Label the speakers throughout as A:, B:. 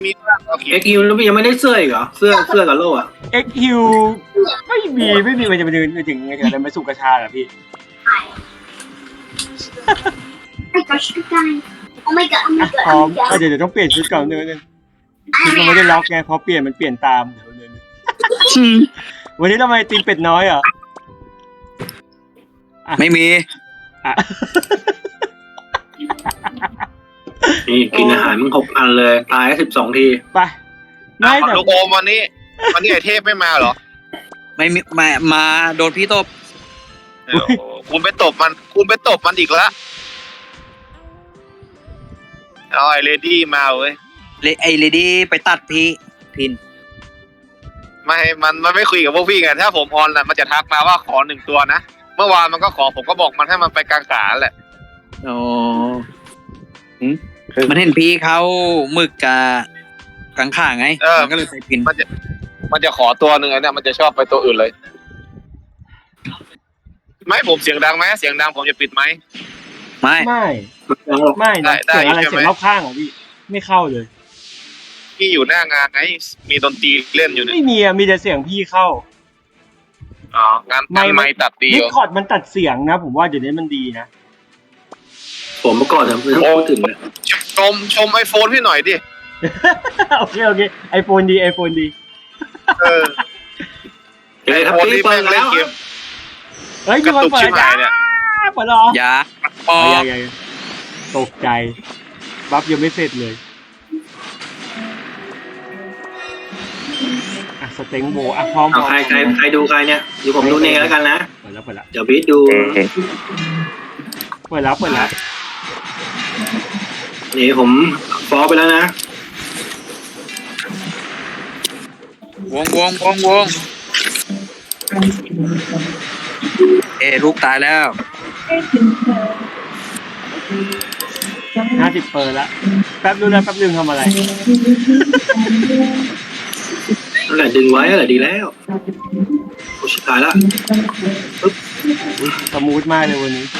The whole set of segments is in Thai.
A: มีบ้างโอเค
B: เอ็กซ์คิวแล้วยังไม่ได้เสื้ออีกเหรอเสื้อกับโล่อะ
C: XQ ไม่มีมันจะไปถึงอะไรมาสู่กระชาเหรอพี่
D: my gosh, goodbye. Oh my god, oh my
C: อ่ะ
D: god,
C: พร้อ
D: oh
C: ม
D: my god.
C: เดี๋ยวต้องเปลี่ยนชุดก่อนนึงชุดมันไม่ได้ล็อกไงพอเปลี่ยนมันเปลี่ยนตามเดี๋ยววันนี้ทำไมตีมเป็ดน้อยอ่ะ
E: ไม่มี
C: อ่ะ
B: นี่กินอาหารมึง6 อันเลยตาย12 ที
C: ไปไม่แต่
A: ลูกโอมวันนี้ไอเทพไม่มาเหรอ
E: ไม่มีมาโดนพี่ตบ
A: คุณไปตบมันอีกแล้วเอาไอเลดี้มาเว้ย
E: ไอเลดี้ไปตัดพี่พิน
A: ไม่มันไม่คุยกับพวกพี่ไงถ้าผมออนน่ะมันจะทักมาว่าขอ1 ตัวนะเมื่อวานมันก็ขอผมก็บอกมันให้มันไปกลางขาแหละ
E: โอ้มันเห็นพี่เขาหมึกกับกังข่าไงมันก็เลยไปพิน
A: มันจะขอตัวหนึ่งไอ้เนี่ยมันจะชอบไปตัวอื่นเลยไม่ผมเสียงดังไหมเสียงดังผมจะปิดไหม
E: ไม่
C: ไม่นะ
A: ได้
C: เสียงอะไร
A: ใช่ไหม
C: เสียงรอบข้างของพี่ไม่เข้าเลย
A: พี่อยู่หน้างานไงมีดนตรีเล่นอยู่เนี่ย
C: ไม่มีอะมีแต่เสียงพี่เข้า
A: อ๋องานไม่ตัดดี
C: ดิ
A: เหร
C: ส
A: อ
C: คอร์ดมันตัดเสียงนะ ผมว่าเดี๋ยวนี้มันดีนะ
B: ผมเมื่อก่อนไม่ต้องพูดถึงเลย
A: ชมไอโฟนพี่หน่อยดิ
C: โอเคไอโฟนดี
A: เออ
B: เฮ้ยครับ
A: โฟน
B: พี่
A: นี่
B: เปิ
A: แม่
B: ด
A: งเล่
B: แล้
A: น
B: ว
A: เกม
C: เฮ้ย
A: กระตุกชิบหายเนี่ย
C: เปิดหรอ
E: อย่าพอ
C: อย่าตกใจบัฟยังไม่เสร็จเลยอ่ะสเต็งโบอ่ะพร้อม
B: เอาใครดูใครเนี่ยเดี๋ยวผมดูเนแล้วกันนะ
C: เปิดแล้ว
B: เดี๋ยวบีทดู
C: เปิดแล้ว
B: นี่ผมฟอลไปแล้วนะ
E: วงลูกตายแล้ว
C: 50 เปิดละแป๊บนึงทำอะไร
B: นั่นแหละดึงไว้นั่นแหละดีแล้วโอ้ชิบหายละ
C: สมูทมากเลยวันนี้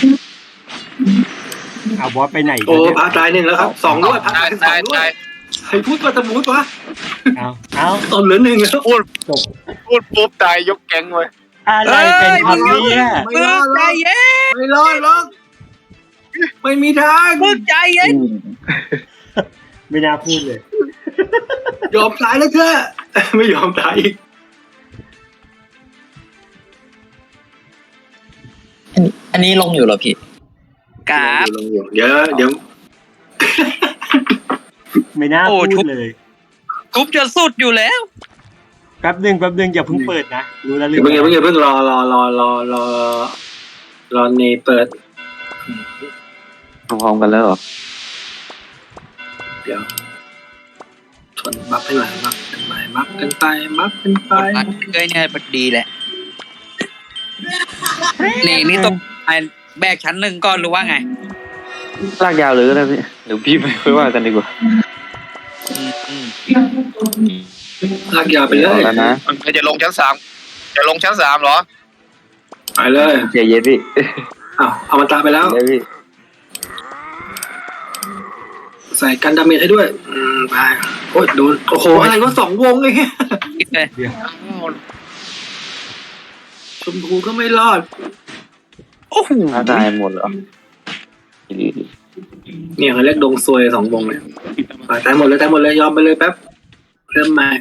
C: บอสไปไหน
B: โอ้พาตาย1แล้วครับ2ด้วยพาตาย2
A: ได้
B: ด้วยใครพูดว่าสมูทวะ
C: เอา
B: ตอนเหลือ1แล้ว
A: พูด
C: จบ
A: ปุ๊บตายยกแก๊งเลย
C: อะไรเป็นคำนี้อ่ะ
B: ไม่รอดหรอกไม่รอดหรอกไม่มีทาง
E: มึกใจเย็น
C: ไม่น่าพูดเลย
B: ยอมตายแล้วเถอะไม่ยอมตายอีก
F: อันนี้ลงอยู่เหรอพี่
E: กราบ
B: ลงอยู่เดี๋ยว
C: ไม่น่าพูดเลย
E: ทุบจะสุดอยู่แล้ว
C: แป๊บนึงอย่าเพิ่งเปิดนะรู้แล้ว
B: อย่าเพิ่งรอเนเปิด
F: พร้อมกันแล้วเหรอ
B: เดี๋ยวทนบัฟให้หน่อยบัฟกันไปบัฟกันไปบัฟกันไป
E: เอ้ยเนี่ยมันดีแหละนี่ต้องแบกชั้น1ก่อนหรือว่าไง
F: ลากยาวเลยก็ได้พี่เดี๋ยวพี่ไปค่อยว่ากันดีกว่า
B: ลากยาวไปเลย
F: แล้วนะ
A: มันจะลงชั้น 3จะลงชั้น 3เหรอ
B: ไปเลย
F: เจเย็นพี่
B: เอามันตายไปแล้ว
F: เดี๋ยวพี่
B: ใส่กันดาเมจให้ด้วยไปโอ้ยโดนโอ้โหอะไรก็2 วงเลย
E: คิดเลย
B: ชมพูก็ไม่รอด
E: โอ้โห
F: ตายหมดเหรอดี
B: เนี่ยเขาเรียกดงซวย2 วงเนี่ยตายหมดเลยยอมไปเลยแป๊บเริ่มใหม่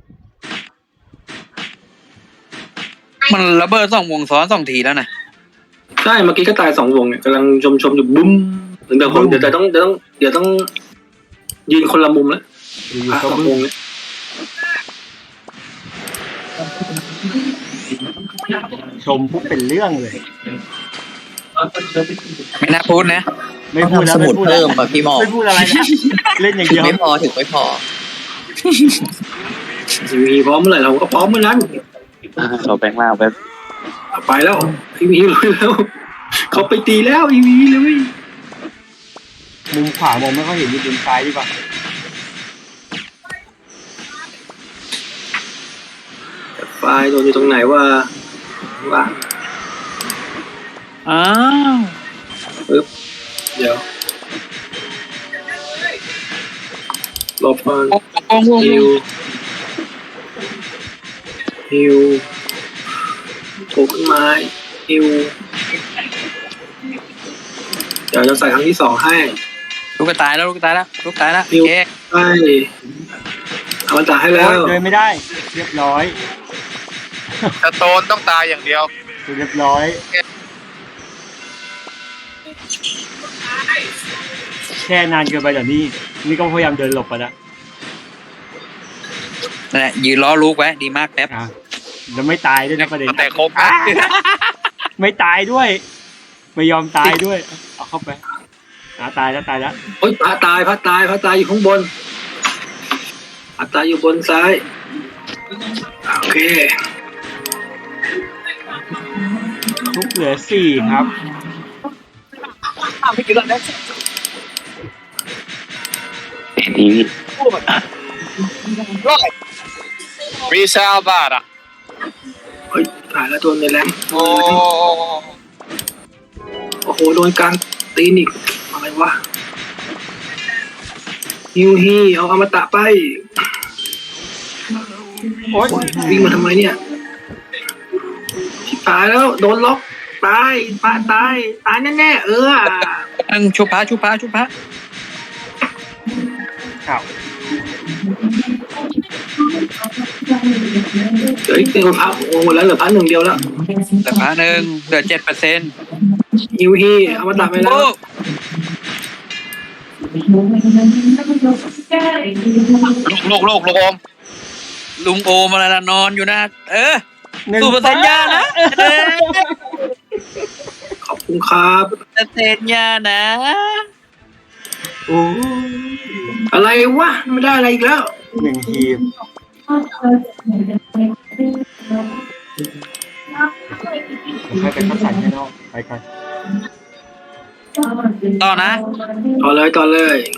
E: มันระเบิด2 วงซ้อน2 ทีแล้วนะ
B: ใช่เมื่อกี้ก็ตาย2 วงเนี่ยกำลังชมอยู่บุ้มเดี๋ยวต้องยืนคนละมุมแล้ว
C: อยู่ๆก็
B: 2
C: บึ้
B: ว
C: ง
B: งเนี่ย
C: ชมปุ๊บเป็นเรื่องเลย
E: ไม่น่าพูดนะ
C: ไม่พูดแล้ว
F: สมุดเพิ่มป่ะพี่หมอ
C: ไม่พูดอะไรนะเล่นอย่าง
F: ถึ
C: เดี
F: ง
C: ยว
F: ไม่พอ
B: มีพร้อมเมื่อไหร่เราก็พร้อมเมื่อนั้น
F: เราแปลงร่างไป
B: ไปแล้วอีวีเลยแล้วเขาไปตีแล้วอีวีเลย
C: มุมขวามองไม่ค่อยเห็นอยู่มุมซ้ายดีกว่า
B: ไฟล์โดนอยู่ตรงไหนว่า
E: อ้าว
B: เดี๋ยวหลบก่อน
E: โอ้โหวง
B: ฮิวฮิวโผล่ขึ้นมาฮิวเดี๋ยวจะใส่ครั้งที่สองให้
E: ลูกก็ตายแล้วลูกก็ตายแล้วลูกตายแล้ว
B: ฮิว
E: เอ๊ะ
B: ใช่เอามาจ่ายให้แล้ว
C: เดินไม่ได้ เรียบร้อย
A: สโตนต้องตายอย่างเดียว
C: เรียบร้อยแค่นานเกินไปเดี๋ยวนี้นี่ก็พยายามเดินหลบไปแล้ว
E: นั่นแหละยืนล้อลูกไว้ดีมากแป๊บ
C: อ่ะแล้วไม่ตายด้วยนะประเด็น
A: แต่ครบ
C: อ่ะไม่ตายด้วย ไม่ยอมตายด้วยเอาเข้าไปตายแล้วตายแล้ว
B: โอ๊ยพระตายอยู่ข้างบนพระตายอยู่บนซ้ายโอเค
C: ทุกเหลือ4ครับ
F: ทีวี
A: มีซาวบาทอ่ะ
B: เฮ้ยตายแล้วโดนในแรง
A: โอ้
B: โอ้โหโดนกลางตีนอีกอะไรวะฮิวฮีเอาอมตะไป
C: โอ๊ย
B: วิ่งมาทำไมเนี่ยชิบหายแล้วโดนล็อกตายปะตายแน่ๆ
E: ตั้งชุบพระ
C: ข่าว
B: เดี๋ยวอีกเป็นคนพักโอ้หมดแล้วเหลือพักหนึ่งเดียวแล้ว
E: แต่พระหนึ่งเหลือ7%
B: ฮิวฮีเอามาตัดไปแล้ว
E: โอ้
A: ลูกอม
E: ลุงโอมาแล้วนอนอยู่นะสู้เปอร์เซ็นต์ยานะ
B: ขอบคุณครับ
E: เปอร์เซ็นต์ยานะ
C: โอ้
B: อะไรวะไม่ได้อะไรอีกแล้ว
C: 1 ทีมให้ไปคัดสรรให้นอกไปก่อน
E: ต่อนะ
B: ต่อเลย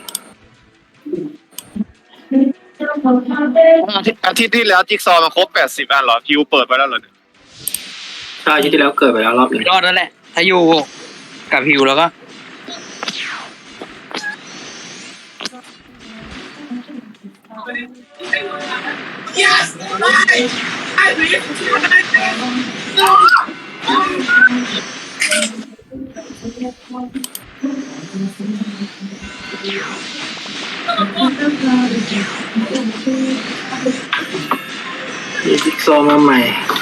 A: อาทิตย์ที่แล้วจิ๊กซอว์มันครบ80อันเหรอคิวเปิดไปแล้วเหรอ
B: ใช่ที่แล้วเกิดไปแล้วรอบหนึ่ง
E: รอดแล้วแหละ ถ้าอยู่กับฮิวแล้วก็
B: มีจิ๊กซอว์มาใหม่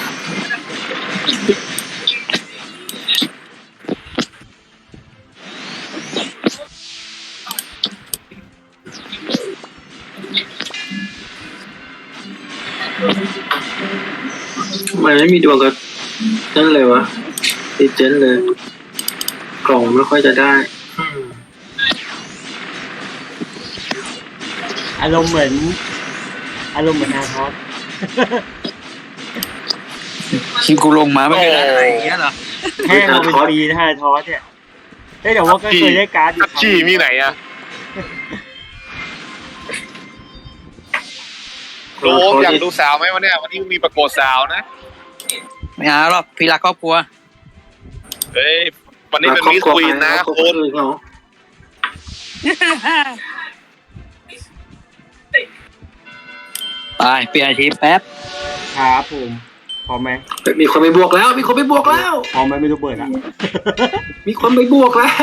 B: ทำไมไม่มีดวงกับนั่นเลยวะติดเจนเลย กล่องไม่ค่อยจะได้
C: อารมณ์เหมือนอาทอส
E: คิงกูลงมาไม่เป็นอะไรอย่างเงี้ยเหรอ
C: แห้งมาเป็นปีนะอาทอสเนี่ยแต่ว่าก็เคยได้การ์ดอยู่
A: จี้มีไหนอะโดมอยากดูสาวไหมวันเนี้ยวันนี้มีประกวดสาวนะ
E: ไม่เอาหรอกพี่รักครอบครัว
A: เฮ้ยวันนี้เป็นมิสควีนนะคุณ
E: ไปเปลี่ยนอาชีพแป๊บ
C: ครับผมพร้อมไหม
B: มีคนไปบวกแล้ว
C: พร้อมไหมไม่รู้เปิดอ่ะ
B: มีคนไปบวกแล้ว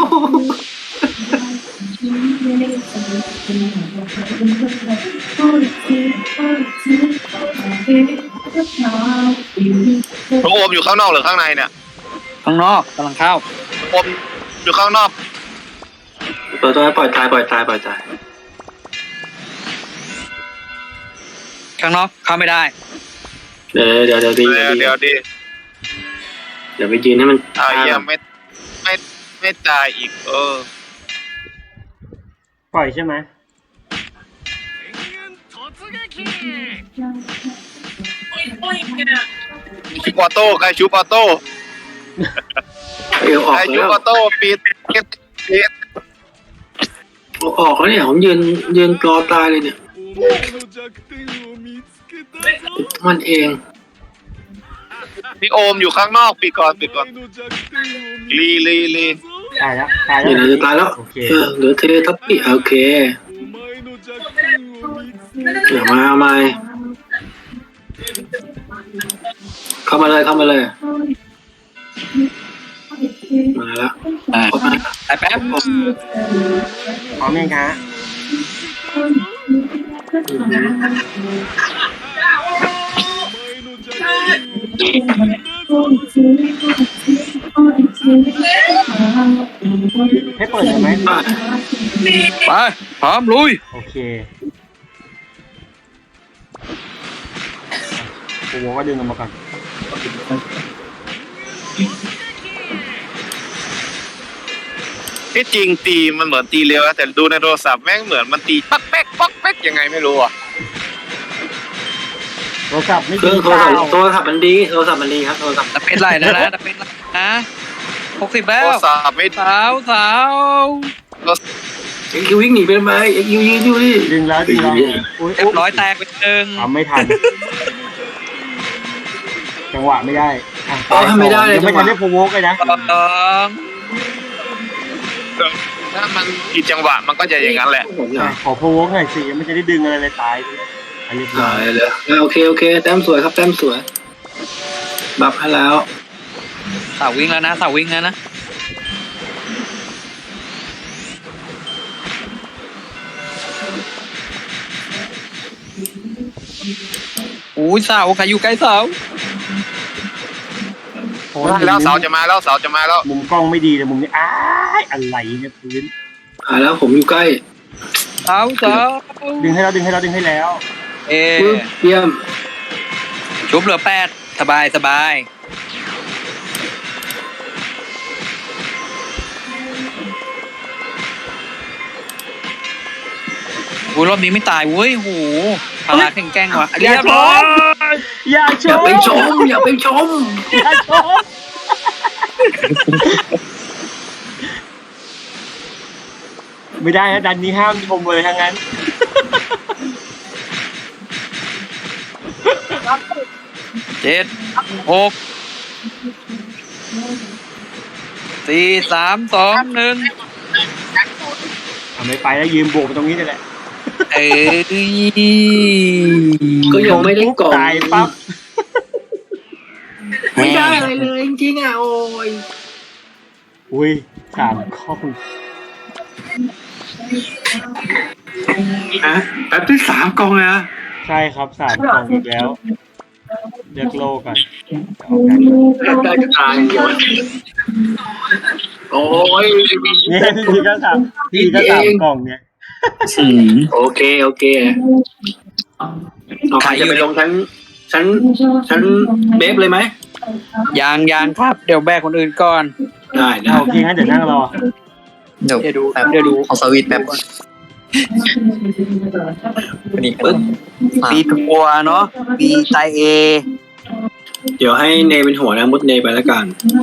A: น้องโอมอยู่ข้างนอกหรือข้างในเนี่ย
E: ข้างนอกกำลังเข้า
A: โอมอยู่ข้างนอก
B: ปล่อยตาย
E: ข้างนอกเข้าไม่ได้
B: เดี๋ยวดี
A: เดี๋ยวดิ
B: เดี๋ยวไปยืนให้มัน
A: ยังไม่ตายอีก
C: ปล่อยใช่ไหม
A: ชุบออโต้ใครชุบออโต้
B: เอวออก
A: ใครชุบ
B: แล้ว
A: ออโต้ปิด
B: ออกแล้วเนี่ยผมยืนรอตายเลยเนี่ยมันเอง
A: พี่โอมอยู่ข้างนอกปิดก่อนลี
C: ตายแล้ว
B: เดี๋ยวจะตายแล้ว
C: โอเค
B: เหลือเทเลทัพปี้โอเคอย่ามาเอามาเข้ามาเลยเข้ามาเลยมาแล้ว
E: อ่า
B: เข้ามา
E: แป๊บ
C: พร้อมยังคะ ให้เปิดเลยไหม
E: ไปพร้อมลุย
C: โอเคโอ้โหก็ดึงออกมาก่อน
A: ที่จริงตีมันเหมือนตีเร็วนะแต่ดูในโทรศัพท์แม่งเหมือนมันตีปักแป๊กปักแป๊กยังไงไม่รู้อ่ะ
C: โทรศัพท์ไม่
B: เครื่องโทรศัพท์มันดีโทรศัพท์มันดีครับโทรศัพท์
E: จะเป็นไรนะจะเป็นไรนะ60แล้ว
A: โทรศัพท์ไม่
E: สาว
B: เอ็กซ์คิววิ่งหนีไปทำไมเอ็กซ์คิวยิงอยู่ดิ
C: ดึงแล้วอุ้ย
E: เรียบร้อยแตกไปหนึ่ง
C: ทำไม่ทัน จังหวะไม่ได้อ่ะ
B: ทำไม่ได้เลย
C: ยังไม่ทันได้โพวกเลยนะ
E: สอง
A: ถ้ามันผิดจังหวะมันก็จะอย่างนั้นแหละ
B: ผมเนี่ย
C: ขอโพวกหน่อยสิยังไม่จะได้ดึงอะไรเลยตายอันนี้
B: หายเลยโอเคแต้มสวยครับแต้มสวยบัฟให้แล้ว
E: สาววิ่งแล้วนะสาววิ่งแล้วนะอุ้ยสาวใครอยู่ใกล้สาว
A: แล้วเสาจะมาแล้วเสาจะมาแล้ว
C: มุมกล้องไม่ดีเลยมุมนี้อ้ายอะไรเนี่ยพื้น
B: หายแล้วผมอยู่ใกล้
E: สาว
C: ดึงให้แล้วดึงให้แล้ว
E: เอ
B: ปึ๊บเยี่ยม
E: ชุบเหลือ8สบายโอ้ยรอบนี้ไม่ตายเว้ยโหพลาแข็งแกร่งว่ะ
C: อย่าชมอย่าช
B: อย่าม ไปชมอย่าไปชม
C: อย่าชมไม่ได้นะดันนี้ห้ามชมเลยทั้งนั้น
E: 7 6 4 3 2 1
C: ไม่ไปแล้วยืมโบกไปตรงนี้นี่แหละ
E: เอ้ย
B: ก็ยังไม่ได้กล่อง
C: ตายปั๊บ
B: ไม่ได้อะไรเลยจริงๆอ่ะโอ้ย
C: อุ้ย3 ข้อ
B: นะแป๊บที่3กล่องเลยนะ
C: ใช่ครับ3 กล่องอีกแล้วเลือกโลก่อน
B: ได้ก็ตายเดียวโอ้ย
C: เนี่ยพี่ก็3กล่องเนี่ย
B: โอเคเอาใครจะไปลงชั้นเบฟเลยไหม
E: ยังครับ เดี๋ยวแบกคนอื่นก่อน
B: ได้
C: โอเคงั้นเดี๋ยวนั่งรอ
E: เดี๋ยวดู
F: เอาสวิตช์แป๊บก่อนนี่ปึ๊บ
E: ปีตัวเนาะปีไตเอ
B: เดี๋ยวให้เนเป็นหัวนะมุดเนไปแล้วกัน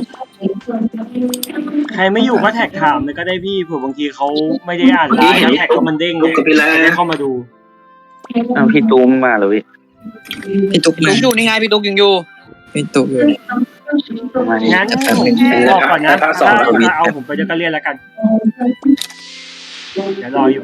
C: ใครไม่อยู่ก็แท็กถามเลยก็ได้พี่เผื่อบางทีเขาไม่ได้อ่านไลน์แล้วแท็กเขามันเด้ง
B: ลุกกับพี่แล้ว
C: ได้เข้ามาดู
F: เอาพี่ตูมมาเลย
E: พี่ตุ๊กอยู่นี่ไงพี่ตุ๊กยังอยู่
F: พี่ตูมอยู่เนี่ย มานี่
C: งั้น
F: จะแป๊บนึง
C: บอกก่อนนะ
B: ถ้า
C: ถ้า
B: สองทวิต
C: เอาผมไปก็เรียนแล้วกันเดี๋ยวรออยู่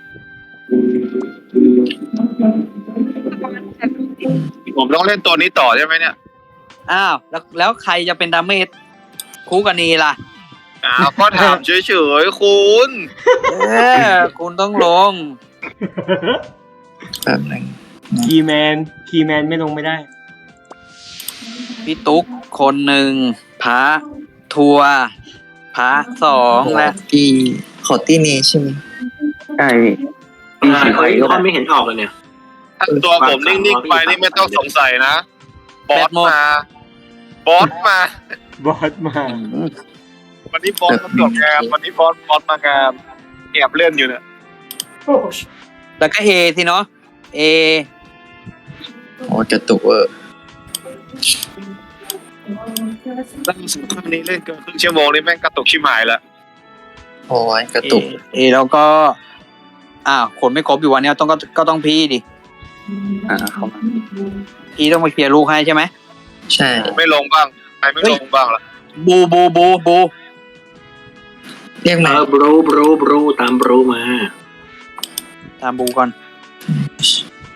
A: ผมต้องเล่นตัวนี้ต่อใช่ไหมเนี่ย
E: อ้าวแล้วใครจะเป็นดาเมจคู่กันนีล่ะ
A: ก็ถามเฉยๆคุณ
E: คุณต้องลง
F: แป๊บนึง
C: คีย์แมนไม่ลงไม่ได้
E: พี่ตุ๊กคนหนึ่งพระทัวร์พระ2และ
F: พี่ขอตี้นี้ใช่ไหมใช่พี่สีไฟก็
B: ไม่เห็นออกเลยเนี่ย
A: ถ้าตัวผมนิ่งๆไปนี่ไม่ต้องสงสัยนะบอสมา
C: บอสมา
A: วันนี้บอสมาตรวจงานวันนี้บอสมางานแอบเล่นอยู่เนี่ย
E: แล้วก็เอสิเนาะเอ
F: โอ้กระตุกเวอร์
A: ล่าสุดครั้งนี้เล่นเกินครึ่งชั่วโมงนี่แม่งกระตุกชิบหายละ
F: โอ้ยกระตุก
E: เอแล้วก็คนไม่ครบอยู่วันนี้ก็ต้องพี่ดิ
F: เข้ามา
E: พี่ต้องมาเคลียร์ลูกให้ใช่ไหม
F: ใช่
A: ไม่ลงบ้างใครไม่ลงบ้างล่ะ
E: บู
F: เรียกมา
B: บรูตามบรูมา
E: ตามบูก่อน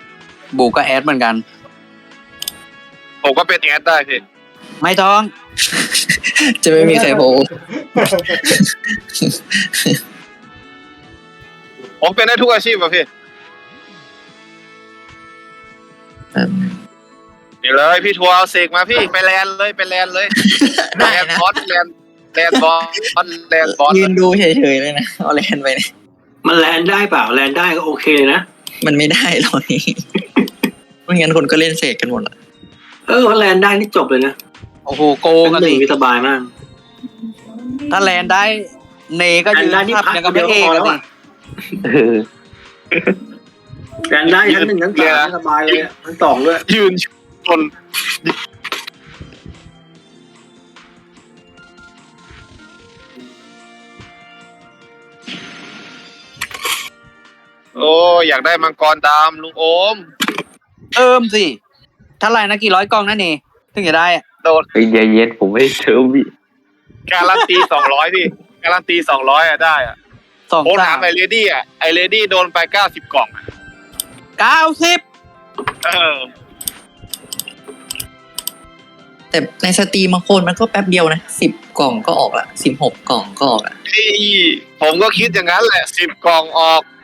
E: บูก็แอดเหมือนกัน
A: ผมก็เป็นแอดได้พี่
E: ไม่ต้อง
F: จะไม่มีใครโผล่
A: ผมเป็นได้ทุกอาชีพป่ะพี่นี่เลยพี่ทัวร์เอาเสกมาพี่ไปแลนเลยไปแลนเลย
F: ได้
A: แลน
F: นะ
A: บอสแลนบอสแลนบอส
F: ยืนดูเฉยๆเลยนะเอาแลนไปเนี่ย
B: มันแลนได้เปล่าแลนได้ก็โอเคนะ
F: มันไม่ได้หรอกนี่ไม่งั้นคนก็เล่นเสกกันหมดละ
B: ถ้าแลนได้นี่จบเลยนะ
E: โอ้โหโกง
B: เป็น
E: กัน
B: หนึ่
E: สิ
B: งที่สบายมาก
E: ถ้าแลนได้เนก็ยืน
B: แลนได้นี่
E: ทับ
B: พัก
E: ยังกับพระเอกกันสิ
B: แลนได้ทั้งหนึ่งทั้งสามสบายเลยทั้งสองด้วย
A: ยืนชนโอ้อยากได้มังกรดำลุงโอม
E: สิ ถ้าไรนะกี่ร้อยกล่องนั่นเองถึงจะได้อะ
A: โดน
G: เฮ้ยใจเย็นผมไม่ได้เชิมพี่
A: การันตี200พี่การันตี200อะได้อะ
E: สอง
A: ผม
E: สา
A: ถาม
E: ม
A: ไอเลดี้อะไอเลดี้โดนไป90 กล่องอะ
E: 90
A: เออ
F: แต่ในสตรีมบางคนมันก็แป๊บเดียวนะ10 กล่องก็ออกละ16 กล่องก็ออกละ
A: พี่ผมก็คิดอย่างนั้นแหละ10 กล่องออก